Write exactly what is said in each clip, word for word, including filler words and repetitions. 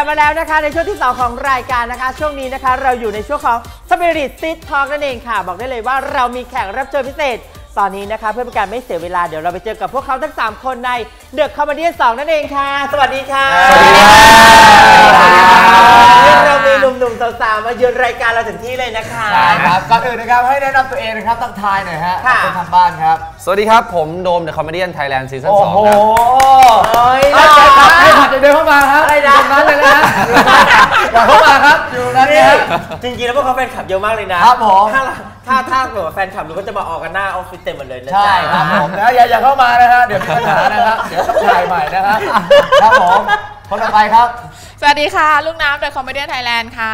มาแล้วนะคะในช่วงที่สองของรายการนะคะช่วงนี้นะคะเราอยู่ในช่วงของ Spirit Seed Talk นั่นเองค่ะบอกได้เลยว่าเรามีแขกรับเชิญพิเศษตอนนี้นะคะเพื่อเป็นการไม่เสียเวลาเดี๋ยวเราไปเจอกับพวกเขาทั้งสามคนใน The Comedian สองนั่นเองค่ะสวัสดีค่ะสวัสดีค่ะเรามีหนุ่มๆสาวๆมาเยือนรายการเราถึงที่เลยนะคะใช่ครับก่อนอื่นนะครับให้แนะนำตัวเองนะครับตั้งทายหน่อยฮะคนทางบ้านครับสวัสดีครับผมโดม The Comedian Thailand Season สองครับโอ้โหให้ผัดให้ผัดเดินเข้ามาครับอะไรนะนั้นเลยนะอย่าเข้ามาครับอยู่นั้นเนี่ยจริงๆแล้วพวกเขาแฟนคลับเยอะมากเลยนะครับผมถ้าถ้าถ้าแบบแฟนคลับเราก็จะมาออกกันหน้าออฟฟิศเต็มหมดเลยนะใช่ครับผมนะอย่าอย่าเข้ามานะฮะเดี๋ยวมีปัญหานะครับเดี๋ยวต้องถ่ายใหม่นะครับครับผมคนต่อไปครับสวัสดีค่ะลูกน้ำ The Comedian Thailand ค่ะ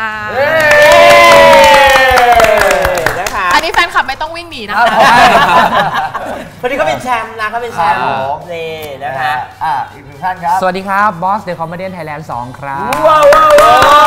นะคะอันนี้แฟนคลับไม่ต้องวิ่งหนีนะคะคนนี้เขาเป็นแชมป์นะเขาเป็นแชมป์นี่นะคะอ่าอีกหนึ่งท่านครับสวัสดีครับบอส The Comedian Thailand สองครับว้าวว้าว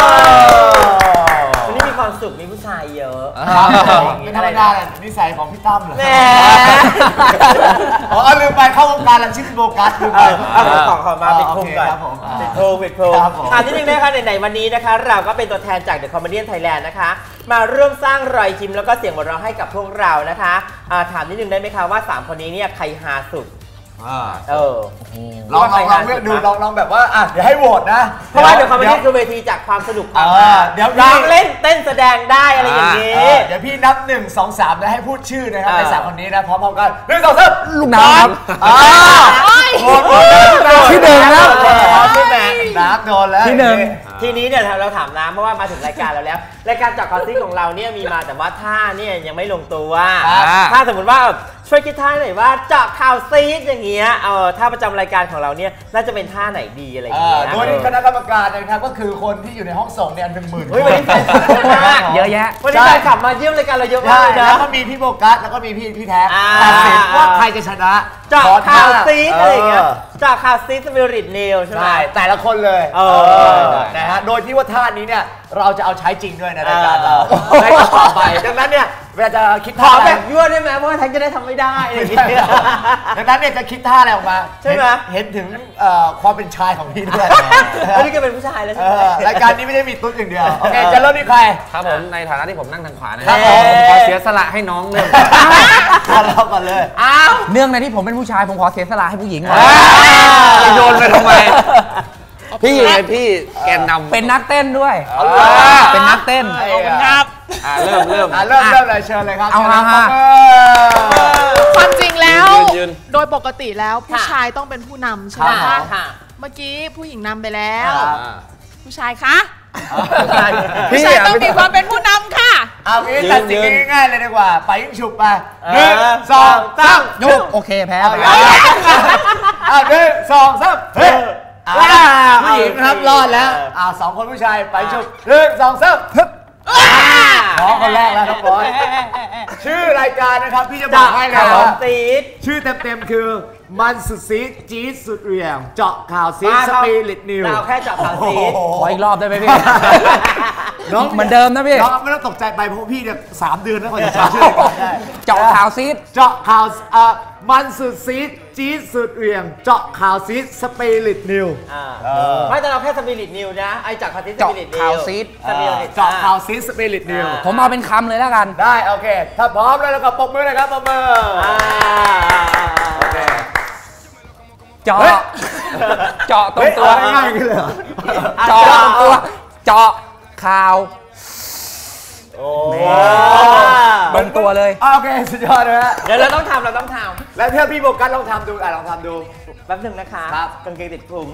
วันนี้มีความสุขมีผู้ชายเยอะเป็นธรรมดาเลยนิสัยของพี่ตั้มเหรอแหมอ๋อลืมไปเข้าวงการแล้วชื่อโบกัสลืมไปเอาของของมาปิดโพงก่อนปิดโพงปิดโพงอ่านิดนึงนะคะไหนๆวันนี้นะคะเราก็เป็นตัวแทนจาก The Comedian Thailand นะคะมาร่วมสร้างรอยยิ้มแล้วก็เสียงหัวเราะให้กับพวกเรานะคะถามนิดนึงได้ไหมคะว่าสามคนนี้เนี่ยใครฮาสุดเออลองลองลองเลือกดูลองลองแบบว่าอ่ะเดี๋ยวให้โหวตนะเพราะว่าเดี๋ยวคอมเมดี้คือเวทีจากความสนุกความเดี๋ยวร้องเล่นเต้นแสดงได้อะไรอย่างนี้เดี๋ยวพี่นับหนึ่งสองสามแล้วให้พูดชื่อนะครับในสามคนนี้นะพร้อมๆกันหนึ่งสองสามลูกน้ำครับโหวตโหวตที่หนึ่งครับที่แม่น้ำโดนแล้วที่หนึ่งทีนี้เนี่ยเราถามน้ำเพราะว่ามาถึงรายการเราแล้วรายการจากคอสซี่ของเราเนี่ยมีมาแต่ว่าท่าเนี่ยยังไม่ลงตัวถ้าสมมติว่าช่วยคิดท่าหน่อยว่าเจาะข่าวซีดอย่างเงี้ยเออท่าประจำรายการของเราเนี่ยน่าจะเป็นท่าไหนดีอะไรอย่างเงี้ยโดยคณะกรรมการนะครับก็คือคนที่อยู่ในห้องส่งเนี่ยเป็นหมื่นเฮ้ยวันนี้แฟนคลับเยอะมากเยอะแยะวันนี้แฟนคลับมาเยี่ยมรายการเราเยอะมากเลยนะแล้วก็มีพี่โบกัสแล้วก็มีพี่พี่แท็กตัดสินว่าใครจะชนะเจาะข่าวซีดอะไรอย่างเงี้ยเจาะข่าวซีดสปิริตเนลใช่ไหมแต่ละคนเลยนะฮะโดยที่ว่าท่านี้เนี่ยเราจะเอาใช้จริงด้วยในรายการเราในต่อไปดังนั้นเนี่ยเวลาจะคิดท่าแบบยั่วได้ไหมเพราะว่าแท็กจะได้ทำไม่ได้อะไรอย่างเงี้ยดังนั้นเนี่ยจะคิดท่าอะไรออกมาใช่ไหมเห็นถึงความเป็นชายของพี่ด้วยอันนี้ก็เป็นผู้ชายแล้วใช่ไหมรายการนี้ไม่ได้มีตุ๊ดอย่างเดียวโอเคจะเริ่มที่ใครครับผมในฐานะที่ผมนั่งทางขวานะครับผมขอเสียสละให้น้องเริ่มเราก่อนเลยอ้าวเนื่องในที่ผมเป็นผู้ชายผมขอเสียสละให้ผู้หญิงโยนไปทำไมพี่ไงพี่แกนนำเป็นนักเต้นด้วยเป็นนักเต้นขอบคุณครับเริ่มเริ่มเริ่มเริ่มเลยเชิญเลยครับเอามาความจริงแล้วโดยปกติแล้วผู้ชายต้องเป็นผู้นำใช่ไหมคะเมื่อกี้ผู้หญิงนำไปแล้วผู้ชายคะผู้ชายต้องมีความเป็นผู้นำค่ะเอางี้ตัดสินง่ายๆเลยดีกว่าไปยิ่งฉุบไปหนึ่งสองสามยุบโอเคแพ้ไปเอาหนึ่งสองสามเฮ้ยผู้หญิงนะครับรอดแล้วอ่าสองคนผู้ชายไปฉุบหนึ่งสองสามขอคนแรกแล้วครับบอสชื่อรายการนะครับพี่จะบอกให้เลยว่าชื่อเต็มๆคือมันสุดซีดจี๊ดสุดเรียงเจาะข่าวซีดสปิริตนิวเราแค่เจาะข่าวซีดขออีกรอบได้ไหมพี่น้องเหมือนเดิมนะพี่น้องไม่ต้องตกใจไปเพราะพี่เนี่ยสามเดือนแล้วกว่าจะจำชื่อรายการได้เจาะข่าวซีดเจาะข่าวอ่ามันสุดซีดจี๊ดสุดเรียงเจาะข่าวซีดสปิริตนิวไม่แต่เราแค่สปิริตนิวนะไอเจาะข่าวซีดสปิริตนิวเจาะข่าวซีดเจาะข่าวซีดสปิริตนิวผมเอาเป็นคำเลยแล้วกันได้โอเคถ้าพร้อมแล้วก็ปรบมือเลยครับปรบมือโอเคเจาะเจาะตรงตัวง่ายๆกันเลยเจาะตรงตัวเจาะข่าวโอ้ตรงตัวเลยโอเคสุดยอดเลยฮะเดี๋ยวเราต้องทำเราต้องทำแล้วเพื่อพี่โบกัสลองทำดูอ่ะลองทำดูแป๊บนึงนะคะครับกางเกงติดพุง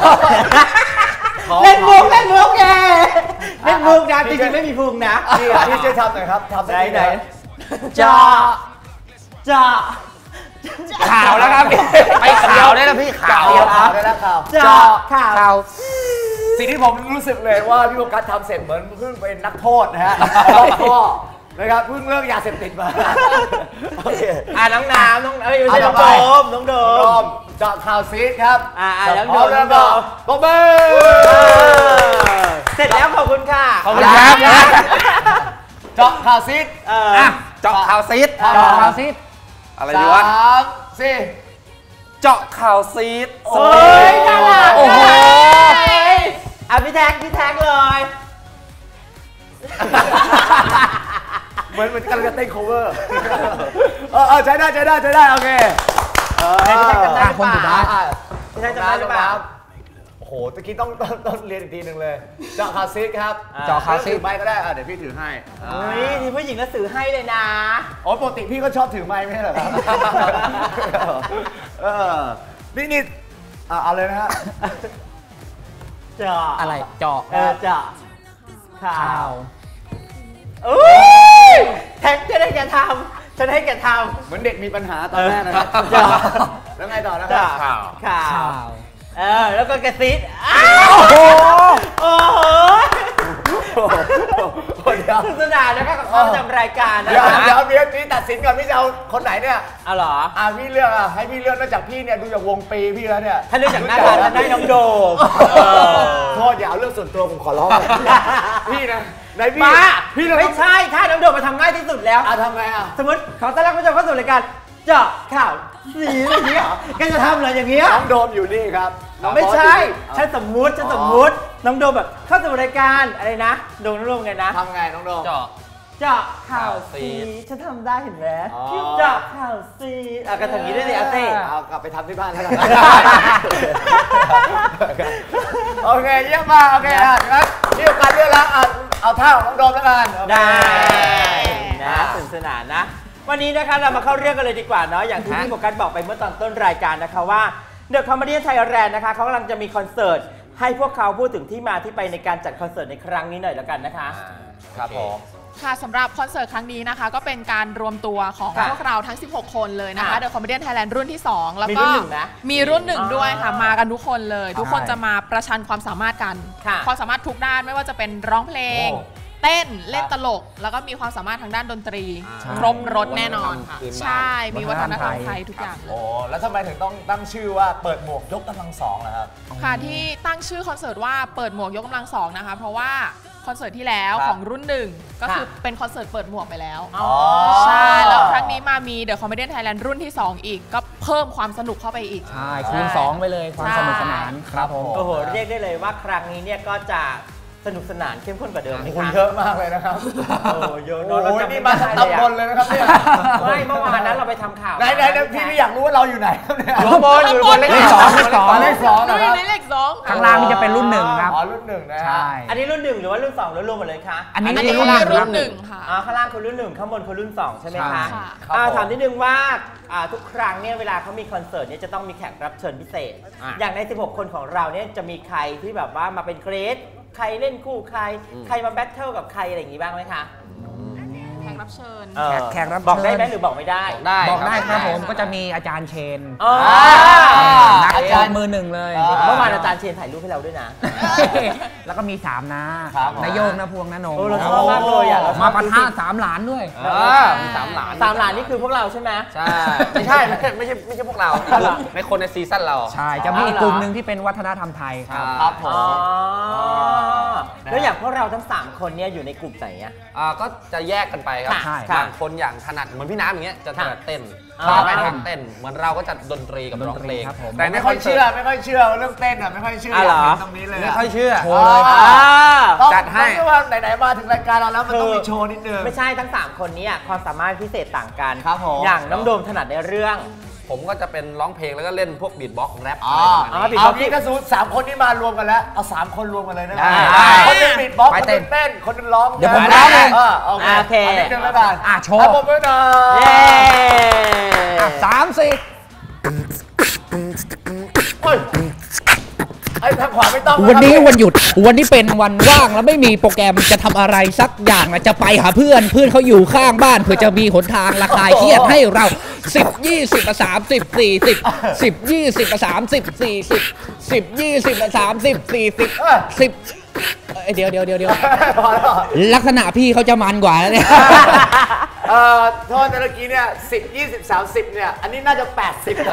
เล่นมุกเล่นมุกแกเล่นมุกนะจริงๆไม่มีพุงนะพี่พี่ช่วยทำหน่อยครับทำได้ไหนเจาะเจาะข่าวแล้วครับไปข่าวได้แล้วพี่ข่าวได้แล้วข่าวเจาะข่าวสิ่งที่ผมรู้สึกเลยว่าพี่โบกัสทำเสร็จเหมือนเพิ่งเป็นนักโทษนะฮะรอบข้อนะครับเพิ่งเลิกยาเสพติดมาอ่าน้องน้ำน้องเอ้ยไม่ใช่น้องโดมน้องโดมเจาะข่าวซีดครับอ่าน้องโดมน้องโดมปรบมือเสร็จแล้วขอบคุณค่ะขอบคุณครับเจาะข่าวซีดอ่ะเจาะข่าวซีดเจาะข่าวซีดอะไรดีวะสามสี่เจาะข่าวซีดโอ้ยน่ารักโอ้โหออ่ะพี่แท็กพี่แท็กเลยเหมือนเหมือนกำลังจะเต้น cover เออเออใช้ได้ใช้ได้ใช้ได้โอเคพี่แท็กจำได้หรือเปล่าพี่แท็กจำได้หรือเปล่าโอ้โหตะกี้ต้องต้องต้องเรียนอีกทีหนึ่งเลยเจาะคาซิสครับเจาะคาซิสถือไม้ก็ได้เดี๋ยวพี่ถือให้เฮ้ยทีผู้หญิงก็ถือให้เลยนะอ๋อปกติพี่ก็ชอบถือไม้ไม่ใช่เหรอครับเออนี่นี่เอาเลยนะฮะเจาะอะไรเจาะเออเจาะข่าวอุ้ยแท็กจะได้แกทำฉันให้แกทำเหมือนเด็กมีปัญหาตอนแรกนะครับแล้วไงต่อนะครับข่าวข่าวเออแล้วก็กระซิบโอ้โหโอ้โหเดี๋ยวสนุกสนานนะครับกับเขาทำรายการนะเดี๋ยวเดี๋ยวพี่พี่ตัดสินก่อนพี่จะเอาคนไหนเนี่ยอ๋อเหรออ่าพี่เลือกอ่ะให้พี่เลือกนอกจากพี่เนี่ยดูจากวงปีพี่แล้วเนี่ยถ้าเลือกจากหน้าตาจะได้น้องโดมโทษอย่าเอาเรื่องส่วนตัวผมขอร้องพี่นะไหนพี่พี่ไม่ใช่ถ้าน้องโดมมาทำง่ายที่สุดแล้วอ่ะทำไงอ่ะสมมติขอต้อนรับผู้ชมเข้าสู่รายการเจาะข่าวสีอย่างนี้เหรอแกจะทำอะไรอย่างเงี้ยน้องโดมอยู่นี่ครับไม่ใช่ฉันสมมุติฉันสมมุติน้องโดมแบบเข้าสู่รายการอะไรนะโดมน้องโดมไงนะทำไงน้องโดมเจาะเจาะข่าวสีฉันทำได้เห็นไหมเจาะข่าวสีอ่ะกันทำอย่างนี้ได้สิอาเต้เอากลับไปทำที่บ้านแล้วกันโอเคเยี่ยมมากโอเคอ่ะงั้นนี่โอกาสเยอะแล้วเอาท่าของน้องโดมแล้วกันได้นะสนุกสนานนะวันนี้นะคะเรามาเข้าเรื่องกันเลยดีกว่าเนาะอย่างที่พี่โฟกัสบอกไปเมื่อตอนต้นรายการนะคะว่า The Comedian Thailand นะคะเขากำลังจะมีคอนเสิร์ตให้พวกเขาพูดถึงที่มาที่ไปในการจัดคอนเสิร์ตในครั้งนี้หน่อยแล้วกันนะคะครับผมค่ะสำหรับคอนเสิร์ตครั้งนี้นะคะก็เป็นการรวมตัวของพวกเราทั้งสิบหกคนเลยนะคะ The Comedian Thailand รุ่นที่สองแล้วก็มีรุ่นหนึ่งด้วยค่ะมากันทุกคนเลยทุกคนจะมาประชันความสามารถกันความสามารถทุกด้านไม่ว่าจะเป็นร้องเพลงเต้นเล่นตลกแล้วก็มีความสามารถทางด้านดนตรีครบรถแน่นอนค่ะใช่มีวัฒนธรรมไทยทุกอย่างโอ้แล้วทำไมถึงต้องตั้งชื่อว่าเปิดหมวกยกกำลังสองนะครับค่ะที่ตั้งชื่อคอนเสิร์ตว่าเปิดหมวกยกกำลังสองนะคะเพราะว่าคอนเสิร์ตที่แล้วของรุ่นหนึ่งก็คือเป็นคอนเสิร์ตเปิดหมวกไปแล้วใช่แล้วครั้งนี้มามี The Comedian Thailand รุ่นที่สองอีกก็เพิ่มความสนุกเข้าไปอีกใช่คูณสองไปเลยความสนุกสนานครับผมโอ้โหเรียกได้เลยว่าครั้งนี้เนี่ยก็จะสนุกสนานเข้มข้นกว่าเดิมคุณเยอะมากเลยนะครับโอ้เยอะโอ้ยนี่มาตำบลเลยนะครับเนี่ยไม่เมื่อวานนั้นเราไปทำข่าวไหนไหนพี่ไม่อยากรู้ว่าเราอยู่ไหนครับเนี่ยอยู่บนอยู่บนเลขสองเลขสองเลขสองนะครับในเลขสองข้างล่างนี่จะเป็นรุ่นหนึ่งครับอ๋อรุ่นหนึ่งนะใช่อันนี้รุ่นหนึ่งหรือว่ารุ่นสองหรือรวมหมดเลยคะอันนี้รุ่นรุ่นหนึ่งค่ะอ๋อข้างล่างคือรุ่นหนึ่งข้างบนคือรุ่นสองใช่ไหมคะถามนิดนึงว่าทุกครั้งเนี่ยเวลาเขามีคอนเสิร์ตเนี่ยจะต้องมีแขกรับเชิญพิเศษอย่างในสิบหกคนของเราเนี่ยจะมีใครที่แบบว่ามาเป็นเกรดใครเล่นคู่ใครใครมาแบทเทิลกับใครอะไรอย่างงี้บ้างไหมคะแขกรับเชิญแขกรับบอกได้ไหมหรือบอกไม่ได้บอกได้ครับผมก็จะมีอาจารย์เชนนักอาจารย์มือหนึ่งเลยเมื่อวานอาจารย์เชนถ่ายรูปให้เราด้วยนะแล้วก็มีสามนะนายโยงนะพวงนะนงเราชอบมากเลยอ่ะมาปะทะสามหลานด้วยมีสามหลานสามหลานนี่คือพวกเราใช่ไหมใช่ไม่ใช่ไม่ใช่ไม่ใช่ไม่ใช่พวกเราในคนในซีซั่นเราใช่จะมีอีกกลุ่มหนึ่งที่เป็นวัฒนธรรมไทยครับครับผมแล้วอย่างพวกเราทั้งสามคนเนี่ยอยู่ในกลุ่มไหนอ่ะก็จะแยกกันไปครับบางคนอย่างถนัดเหมือนพี่น้ำอย่างเงี้ยจะถนัดเต้นไปทางเต้นเหมือนเราก็จะดนตรีกับร้องเพลงแต่ไม่ค่อยเชื่อไม่ค่อยเชื่อเรื่องเต้นอ่ะไม่ค่อยเชื่อตรงนี้เลยไม่ค่อยเชื่อโชว์เลยจัดให้ว่าไหนๆมาถึงรายการเราแล้วมันต้องมีโชว์นิดนึงไม่ใช่ทั้งสามคนนี้ความสามารถพิเศษต่างกันอย่างน้องโดมถนัดในเรื่องผมก็จะเป็นร้องเพลงแล้วก็เล่นพวกบีทบ็อกซ์แรปอ๋อเอาพี่กระสุนสามคนนี้มารวมกันแล้วเอาสามคนรวมกันเลยนะคนนึงบีทบ็อกซ์คนนึงเต้นคนนึงร้องเดี๋ยวผมร้องเองโอเคนิดนึงแล้วกันอ่ะโชว์ผมด้วยนะเย้สามสี่วันนี้วันหยุดวันนี้เป็นวันว่างแล้วไม่มีโปรแกรมจะทำอะไรสักอย่างจะไปหาเพื่อนเพื่อนเขาอยู่ข้างบ้านเพื่อจะมีหนทางระคายเครียดให้เราสิบยี่สิบสามสิบสี่สิบสิบยี่สิบสามสิบสี่สิบสิบยี่สิบสามสิบสี่สิบสิบเดี๋ยวเดี๋ยวเดี๋ยวเดี๋ยวลักษณะพี่เขาจะมันกว่าแล้วเนี่ยเอ่อโทษนะเมื่อกี้เนี่ยสิบยี่สิบสามสิบเนี่ยอันนี้น่าจะแปดสิบ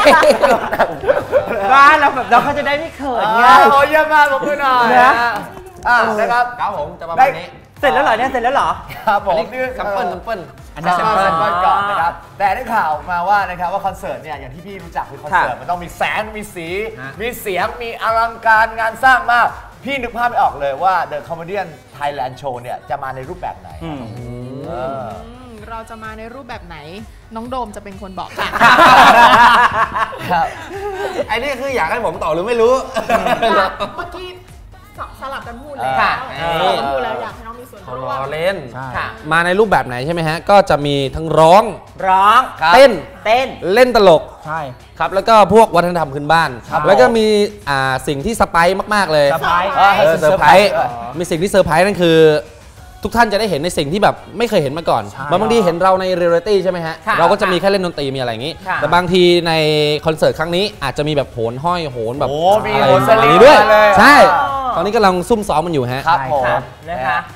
บ้านเราแบบเราเขาจะได้ไม่เขินไงโอ้ยเยี่ยมมากผมด้วยหน่อยนะอ่านะครับครับผมจะประมาณนี้เสร็จแล้วเหรอเนี่ยเสร็จแล้วเหรอครับผมนี่ซัมเปิลซัมเปิลอันนี้ซัมเปิลก่อนนะครับแต่ได้ข่าวมาว่านะครับว่าคอนเสิร์ตเนี่ยอย่างที่พี่รู้จักคือคอนเสิร์ตมันต้องมีแสงมีสีมีเสียงมีอลังการงานสร้างมากพี่นึกภาพไม่ออกเลยว่า The Comedian Thailand Show เนี่ยจะมาในรูปแบบไหนเออเราจะมาในรูปแบบไหนน้องโดมจะเป็นคนบอกค่ะครับไอ้นี่คืออยากให้ผมต่อหรือไม่รู้เมื่อกี้สลับกันพูดแล้วค่ะสลับกันพูดแล้วอยากให้น้องมีส่วนเขาร่ล้วอมเล่นค่ะมาในรูปแบบไหนใช่ไหมฮะ ก็จะมีทั้งร้องร้องเต้นเต้นเล่นตลกใช่ครับ แล้วก็พวกวัฒนธรรมพื้นบ้านครับแล้วก็มีอ่าสิ่งที่สไปซ์มาก ๆ เลยเซอร์ไพรส์เออเซอร์ไพรส์มีสิ่งที่เซอร์ไพรส์นั่นคือ ทุกท่านจะได้เห็นในสิ่งที่แบบไม่เคยเห็นมาก่อนบางทีเห็นเราในเรียลลิตี้ใช่ไหมฮะค่ะเราก็จะมีแค่เล่นดนตรีมีอะไรอย่างนี้ค่ะแต่บางทีในคอนเสิร์ตครั้งนี้อาจจะมีแบบโหนห้อยโหนแบบโอ้มีอะไรโหนสลิงนี้ด้วยมาเลยใช่อ่าตอนนี้กำลังซุ่มซ้อมมันอยู่ฮะครับผมค่ะนะคะ